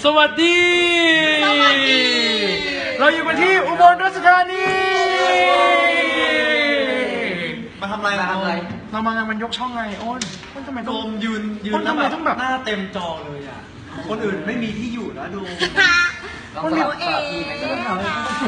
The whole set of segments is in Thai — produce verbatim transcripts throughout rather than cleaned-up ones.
สวัสดีสวัสดีเราอยู่กันที่อุบลราชธานีมาทำอะไรมาทำอะไรเรามางานมันยกช่องไงโอ้นโอ้นทำไมโดต้องมยืนยืนคนแล้วทำไมแบบต้องแบบหน้าเต็มจอเลยอ่ะ คนอื่นไม่มีที่อยู่แล้วดูลองสลับสลับที่ไหมก็ได้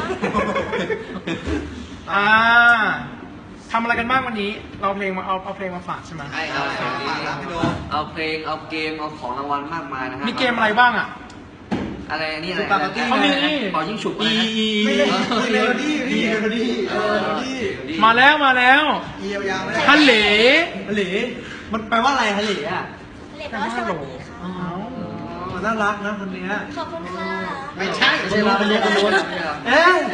อ่าทำอะไรกันบ้างวันนี้ เราเพลงมาเอาเอาเพลงมาฝากใช่ไหมใช่เอาเพลงเอาเพลงเอาเกมเอาของรางวัลมากมายนะฮะมีเกมอะไรบ้างอ่ะอะไรนี่อะไรสปาเกตตี้เขามีเป่ายิ่งฉุบอีอะไรนะอีเมโลดี้พี่เมโลดี้เออเมโลดี้มาแล้วมาแล้วอียาวๆไม่ฮัลโหลฮัลโหลมันแปลว่าอะไรฮัลโหลอ่ะเรียกว่าสวัสดีค่ะอ๋อน่ารักนะคนเนี้ยขอบคุณค่ะไม่ใช่ไม่ใช่เราเป็นเรียกคนนู้นเอ๊ะ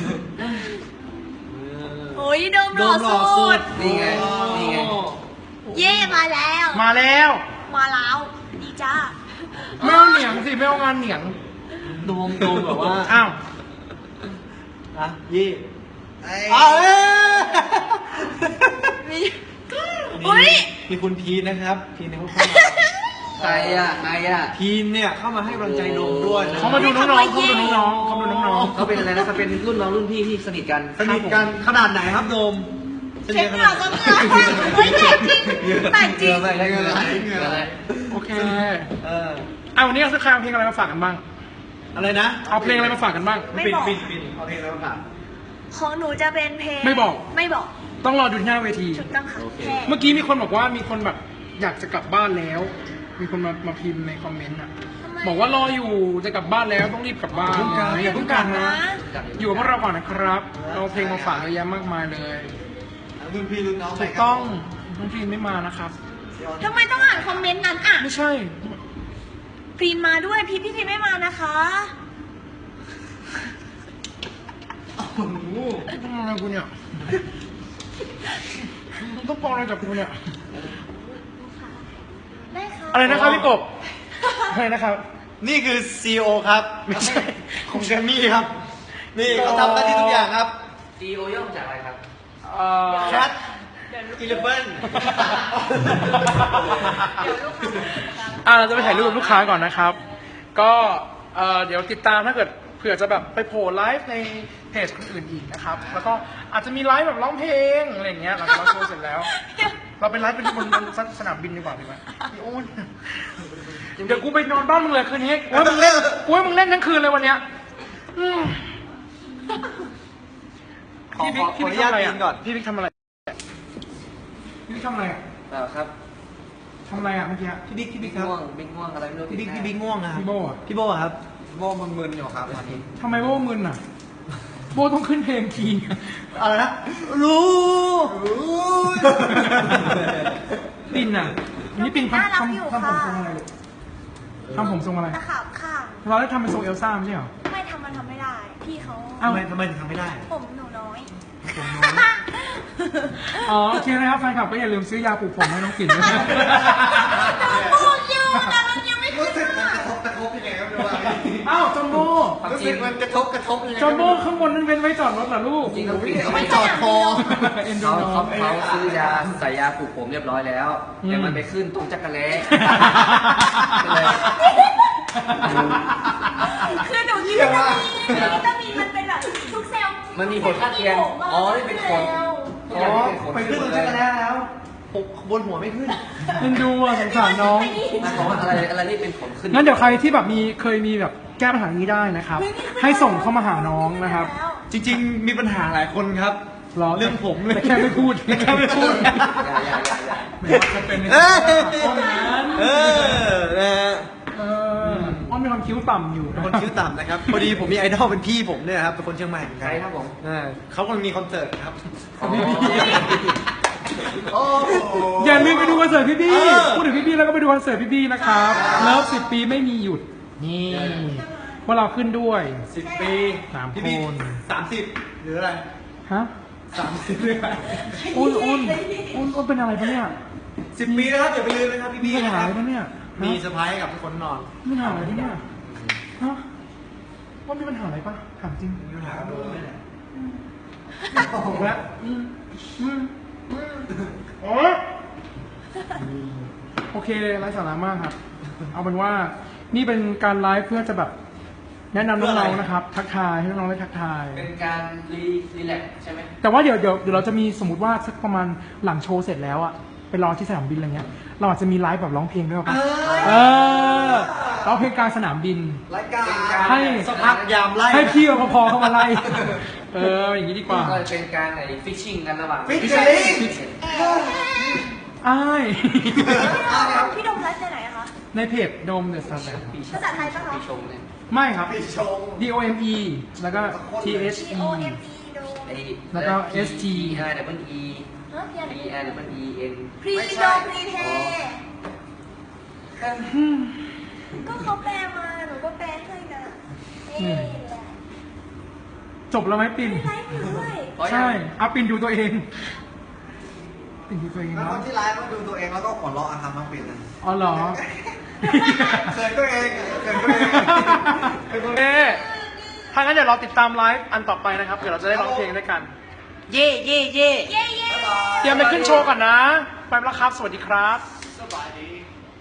โอ้ยโดมหล่อสุดนี่ไงนี่ไงเย่มาแล้วมาแล้วมาแล้วดีจ้าไม่เอาเหนียงสิไม่เอางานเหนียงโดมโดมแบบว่าอ้าวอะยี่เอาเอ้ยมีอุ้ยมีคุณพีนนะครับ พีนเนี่ยเขาเข้ามาใครอ่ะใครอ่ะพีนเนี่ยเข้ามาให้กำลังใจโดมด้วยนะเขามาดูน้องๆเขามาดูน้องๆเขามาดูน้องเขาเป็นอะไรนะเขาเป็นรุ่นน้องรุ่นพี่ที่สนิทกันสนิทกันขนาดไหนครับโดมเช็คเหงื่อก็เหงื่อเฮ้ยแต่จริงแต่จริงเงื่ออะไรเงื่ออะไรเงื่ออะไรๆโอเคเอออ่ะวันนี้เราจะใครเอาเพลงอะไรมาฝากกันบ้างอะไรนะเอาเพลงอะไรมาฝากกันบ้างไม่ปิดบอกปิดปิดเอาเพลงแล้วค่ะของหนูจะเป็นเพลงไม่บอกไม่บอกต้องรอดูที่หน้าเวทีถูกต้องค่ะแค่เมื่อกี้มีคนบอกว่ามีคนแบบอยากจะกลับบ้านแล้ว มีคนมามาพิมพ์ในคอมเมนต์อ่ะ บอกว่ารออยู่จะกลับบ้านแล้วต้องรีบกลับบ้านอย่าเพิ่งกลับนะ อยู่กับพวกเราก่อนนะครับ เอาเพลงมาฝากเยอะแยะมากมายเลยรุ่นพี่รุ่นน้องถูกต้องน้องพีนไม่มานะครับทำไมต้องอ่านคอมเมนต์นั้นอ่ะไม่ใช่พีนมาด้วยพี่พี่พีนไม่มานะคะโอ้โหต้องอะไรกูเนี่ยต้องปองอะไรจากกูเนี่ยได้ค่ะอะไรนะครับพี่กบอะไรนะครับนี่คือ ซี อี โอ ครับ ไม่ใช่ของแกรมมี่ครับ นี่เขาทำหน้าที่ทุกอย่างครับซีโอย่อมาจากอะไรครับเอ่อแคทอีเลฟเว่นเดี๋ยวลูกค้าอ่าเราจะไปถ่ายรูปกับลูกค้าก่อนนะครับ ก็เอ่อเดี๋ยวติดตามถ้าเกิดเผื่อจะแบบไปโผล่ไลฟ์ในเพจคนอื่นอีกนะครับ แล้วก็อาจจะมีไลฟ์แบบร้องเพลงอะไรอย่างเงี้ยหลังจากเราโชว์เสร็จแล้ว เราไปไลฟ์เป็นบนบนสนามบินดีกว่าดีไหมพี่โอ้นเดี๋ยวกูไปนอนบ้านมึงเลยคืนนี้กูให้มึงเล่นกูให้มึงเล่นทั้งคืนเลยวันเนี้ยอืมขอพี่ขบิ๊อก ขอพี่อบิ๊นุกญาตทำอะไรกินก่ออ่ะนพี่บิ๊กทำอะไรพี่บิ๊กทำอะไรอ่ะเปล่าครับทำอะไรอ่ะเมื่อกี้พี่บิ๊กพี่บิ๊กครับง่วงบิ๊กง่วงอะไรไม่รู้พี่บิ๊กพี่บิ๊กง่วงนะครับพี่โบอ่ะพี่โบครับ โบมึนๆอยู่ครับตอนนี้ทำไมโบมึนอ่ะ โบต้องขึ้นเพลงคีย์อะไรนะ รู้รู้ปินอ่ะนี่ปินทำน่ารักอยู่ทำทำผมค่ะทรงอะไรลูกทำผมทรงอะไรตะขาบข้างเราได้ทำเป็นทรงเอลซ่าไม่ใช่เหรอไม่ทำมันทำไม่ได้ พี่เขาอ้าวทำไมทำไมถึงทำไม่ได้ผมหนูน้อยผมน้อยอ๋อโอเคนะครับแฟนคลับก็อย่าลืมซื้อยาปลูกผมให้น้องปิ่นด้วยนะพูดอยู่แต่มันยังไม่ขึ้นมันอ่ะกระทบกระทบยังไงครับดูว่าอ้าวจอมโบรู้สึกมันกระทบกระทบยังไงจอมโบข้างบนนั้นเป็นไว้จอดรถเหรอลูกจริงๆเขาปิดเขาไม่ไม่จอดคอเอ็นดูเขาน้อเขางเขาซื้อยาใส่ยาปลูกผมเรียบร้อยแล้วอืมแต่มันไปขึ้นตรงจักรแล้คือหนูคิดว่าวิตามินมันเป็นแบบทุกเซลล์มันมีผลข้างเคียงอ๋อนี่เป็นผลอ๋อไปขึ้นตรงจักรแล้แล้วบนหัวไม่ขึ้นเอ็นดูอ่ะสงสารน้องมันบอกว่าอะไรอะไรนี่เป็นผลขึ้นงั้นเดี๋ยวใครที่แบบมีเคยมีแบบแก้ปัญหานี้ได้นะครับ ให้ส่งเข้ามาหาน้องนะครับจริงๆ มีปัญหาหลายคนครับหรอเรื่องผมเลยแต่แค่ไม่พูดแต่แค่ไม่พูดอย่าอย่าอย่าอย่าไม่ว่าจะเป็นในเออห้องนั้นเออนะฮะเอออ้อนมีความคิ้วต่ำอยู่เป็นคนคิ้วต่ำนะครับ พอดีผมมีไอดอลเป็นพี่ผมเนี่ยครับ เป็นคนเชียงใหม่เหมือนใคกัรนครับผมอ่าเขากำลังมีคอนเสิร์ตครับอ๋อโอ้อย่าลืมไปดูคอนเสิร์ตพี่บี้เออพูดถึงพี่บี้แล้วก็ไปดูคอนเสิร์ตพี่บี้นะครับ เลิฟสิบปีไม่มีหยุด นี่พวกเราขึ้นด้วยสิบปีสามพี่พี่คนสามสิบหรืออะไรฮะสามสิบเลยอ้นอ้นอ้นอ้นเป็นอะไรปะเนี่ยสิบปีนะครับอย่าไปลืมนะครับพี่มีพี่ปัญนะหาคอะรับไรปะเนี่ยมีฮะเซอร์ไพรส์กับทุกคนนอนมีปัญหาอะไรปะเนี่ยฮะว่ามีปัญหาอะไรปะถามจริงมีปัญหากับโดมนี่แหละถูกแล้วอืมอืมอืมโอ้โอเคไร้สาระมากครับ เอาเป็นว่านี่เป็นการไลฟ์เพื่อจะแบบแนะนำน้องๆนะครับ ทักทายให้น้องๆได้ทักทายเป็นการรีรีแลกซ์ใช่ไหมแต่ว่าเดี๋ยวเดี๋ยวเดี๋ยวเราจะมีสมมติว่าสักประมาณหลังโชว์เสร็จแล้วอะไปรอที่สนามบินอะไรเงี้ย เราอาจจะมีไลฟ์แบบร้องเพลงด้วยป่ะเออร้องเพลงกลางสนามบินรายการให้สักพักยามไล่ให้พี่รปภเข้ามาไล่ เอออย่างนี้ดีกว่าก็เป็นการไอ้ฟิชชิ่งกันระหว่างฟิชชิ่งอ้ายพี่ดมไลฟ์ในไหนอะคะในเพจโดมเดอะสตาร์ปีชภาษาไทยปะคะปีชงเนี่ยไม่ครับปีชง D O M E แล้วก็ T H T E O M E โดมไอ้แล้วก็ S T I double E ฮะพี่อะไร D I double E N พรีโดมพรีเทก็เขาแปลมาหนูก็แปลให้นะนี่แหละจบแล้วไหมปินไลฟ์ด้วยเพราะใช่ยังเอาปินดูตัวเอง ปินดูตัวเองแล้วคเนาะนที่ไลฟ์ก็ดูตัวเองแล้วก็หัวเราะอะครับน้องปิ่นนะอ๋อเหรอเขินตัวเองเขินตัวเองเอ๊ะถ้างั้นเดี๋ยวเราติดตามไลฟ์อันต่อไปนะครับ เดี๋ยวเราจะได้ร้องเพลงด้วยกัน เย่เย่เย่เย้เย้เตรียมไปขึ้นโชว์ก่อนนะ ไปแล้วครับ สวัสดีครับสบายดี